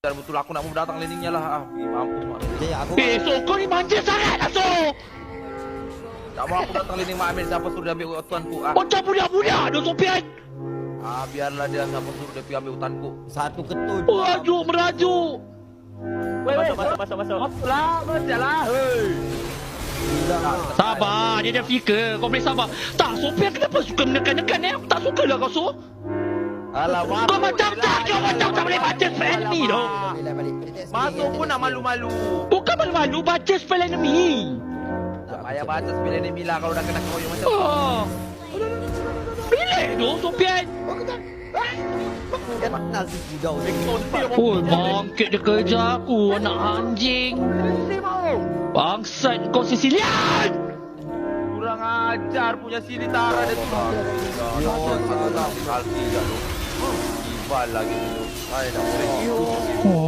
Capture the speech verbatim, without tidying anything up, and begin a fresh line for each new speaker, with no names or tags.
Dan betul aku nak mau datang landingnya lah. Ah, mampu mak.
Jay, aku
Eh, so kau ni manja sangat lah, so.
Tak mau aku datang landing Mak Amir. Siapa suruh dia ambil tuanku? Ah,
Macam budak-budak dah Sofian.
ah biarlah dia. Siapa suruh dia pergi ambil hutanku?
satu ketut.
Merajuk, merajuk.
Weh, masuk, masuk, masuk, masuk. Masuk lah, masuk lah. Hei.
Sabar, dia dah fikir. Kau boleh sabar. Tak, Sofian kenapa suka menekan-nekan eh? Aku tak suka lah kau, so.
Alamak.
Kau macam tak, kau macam tak boleh baca spell enemy tu.
Balik, balik.
Masuk pun nak malu-malu.
Bukan malu-malu, baca spell enemy.
Tak payah baca spell enemy lah kalau dah kena koyok macam tu.
Oh. Relax tu, Sofian.
Kenal si Kidau ni.
Oi, bangkit dia kerja aku, anak anjing. Bangsat kau Sicilian.
Kurang ajar punya sini Tara dia tu. Ya, satu tak kalki je tu. Ibal lagi tu. Saya dah boleh.